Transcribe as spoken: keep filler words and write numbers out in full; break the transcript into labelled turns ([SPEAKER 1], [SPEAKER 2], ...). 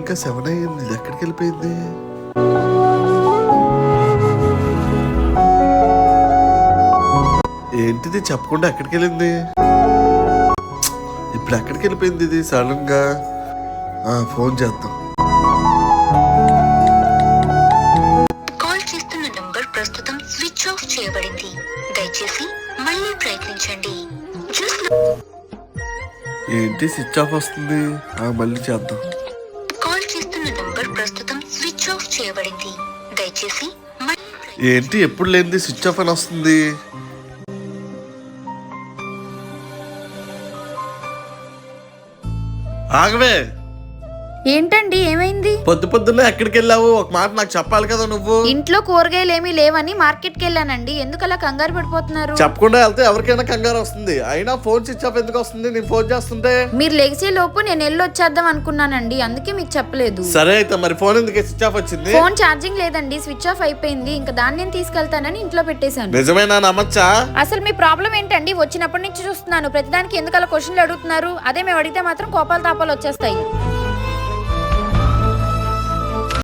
[SPEAKER 1] ఇంకా సెవెన్ అయ్యింది, ఇది ఎక్కడికి వెళ్ళిపోయింది? ఏంటిది చెప్పకుండా ఎక్కడికి వెళ్ళింది? ఇప్పుడు ఎక్కడికి వెళ్ళిపోయింది ఇది సడన్ గా? ఫోన్ చేద్దాం.
[SPEAKER 2] కాల్ చేస్తున్న నంబర్ ప్రస్తుతం స్విచ్ ఆఫ్ చేయబడింది, దయచేసి మళ్ళీ ప్రయత్నించండి.
[SPEAKER 1] ఏంటి స్విచ్ ఆఫ్ వస్తుంది? మళ్ళీ చేద్దాం.
[SPEAKER 2] కాల్ చేస్తున్న నంబర్ ప్రస్తుతం స్విచ్ ఆఫ్ చేయబడింది, దయచేసి
[SPEAKER 1] ఏంటి ఎప్పుడు లేనిది స్విచ్ ఆఫ్ అని వస్తుంది? ఆగవే.
[SPEAKER 3] ఏంటండి ఏమైంది?
[SPEAKER 1] పొద్దు పొద్దున్నే ఎక్కడికి వెళ్ళావు? ఒక మాట నాకు చెప్పాలి కదా. నువ్వు
[SPEAKER 3] ఇంట్లో కూరగాయలు ఏమీ లేవని మార్కెట్ కి వెళ్ళానండి. ఎందుకు అలా కంగారు పడిపోతున్నారు?
[SPEAKER 1] చెప్పకుండా వెళ్తే ఎవరికైనా కంగారు వస్తుంది. అయినా ఫోన్ స్విచ్ ఆఫ్ ఎందుకు వస్తుంది నేను ఫోన్ చేస్తుంటే?
[SPEAKER 3] మీరు లెగిసే లోపు నేను వెళ్ళి వచ్చేద్దాం అనుకున్నానండి, అందుకే మీకు చెప్పలేదు.
[SPEAKER 1] సరే అయితే మరి ఫోన్ ఎందుకు స్విచ్ ఆఫ్ వచ్చింది?
[SPEAKER 3] ఫోన్ ఛార్జింగ్ లేదండి, స్విచ్ ఆఫ్ అయిపోయింది. ఇంకా దాన్ని నేను తీసుకెళ్తానని ఇంట్లో పెట్టేశాను.
[SPEAKER 1] నిజమేనా? నమ్మచ్చా?
[SPEAKER 3] అసలు మీ ప్రాబ్లం ఏంటండి? వచ్చినప్పటి నుంచి చూస్తున్నాను, ప్రతిదానికి ఎందుకు అలా క్వశ్చన్లు అడుగుతున్నారు? అదే మేము అడిగితే మాత్రం కోపాలు తాపాలు వచ్చేస్తాయి.